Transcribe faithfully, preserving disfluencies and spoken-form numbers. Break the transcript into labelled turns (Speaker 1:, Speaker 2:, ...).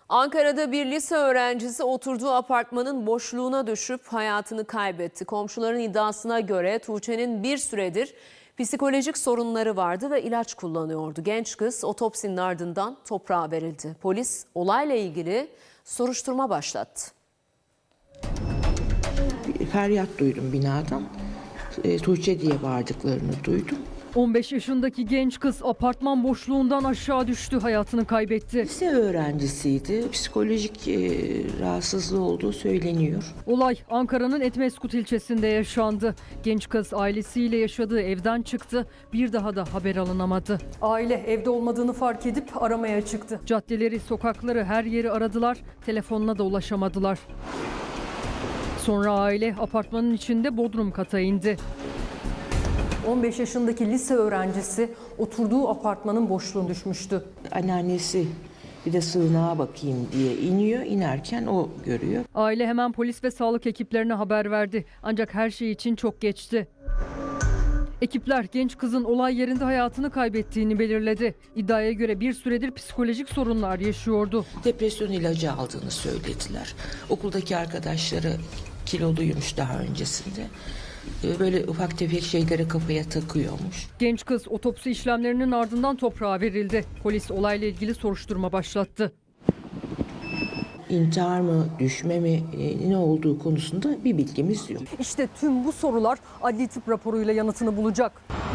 Speaker 1: Ankara'da bir lise öğrencisi oturduğu apartmanın boşluğuna düşüp hayatını kaybetti. Komşuların iddiasına göre Tuğçe'nin bir süredir psikolojik sorunları vardı ve ilaç kullanıyordu. Genç kız otopsinin ardından toprağa verildi. Polis olayla ilgili soruşturma başlattı.
Speaker 2: Feryat duydum binadan. E, Tuğçe diye bağırdıklarını duydum.
Speaker 3: on beş yaşındaki genç kız apartman boşluğundan aşağı düştü, hayatını kaybetti.
Speaker 2: Lise öğrencisiydi. Psikolojik e, rahatsızlığı olduğu söyleniyor.
Speaker 3: Olay Ankara'nın Etmeskut ilçesinde yaşandı. Genç kız ailesiyle yaşadığı evden çıktı. Bir daha da haber alınamadı. Aile evde olmadığını fark edip aramaya çıktı. Caddeleri, sokakları, her yeri aradılar. Telefonuna da ulaşamadılar. Sonra aile apartmanın içinde bodrum kata indi. on beş yaşındaki lise öğrencisi oturduğu apartmanın boşluğuna düşmüştü.
Speaker 2: Anneannesi bir de sığınağa bakayım diye iniyor. İnerken o görüyor.
Speaker 3: Aile hemen polis ve sağlık ekiplerine haber verdi. Ancak her şey için çok geçti. Ekipler genç kızın olay yerinde hayatını kaybettiğini belirledi. İddiaya göre bir süredir psikolojik sorunlar yaşıyordu.
Speaker 2: Depresyon ilacı aldığını söylediler. Okuldaki arkadaşları kiloluymuş daha öncesinde. Böyle ufak tefek şeylere kafaya takıyormuş.
Speaker 3: Genç kız otopsi işlemlerinin ardından toprağa verildi. Polis olayla ilgili soruşturma başlattı.
Speaker 2: İntihar mı, düşme mi, e, ne olduğu konusunda bir bilgimiz yok.
Speaker 3: İşte tüm bu sorular adli tıp raporuyla yanıtını bulacak.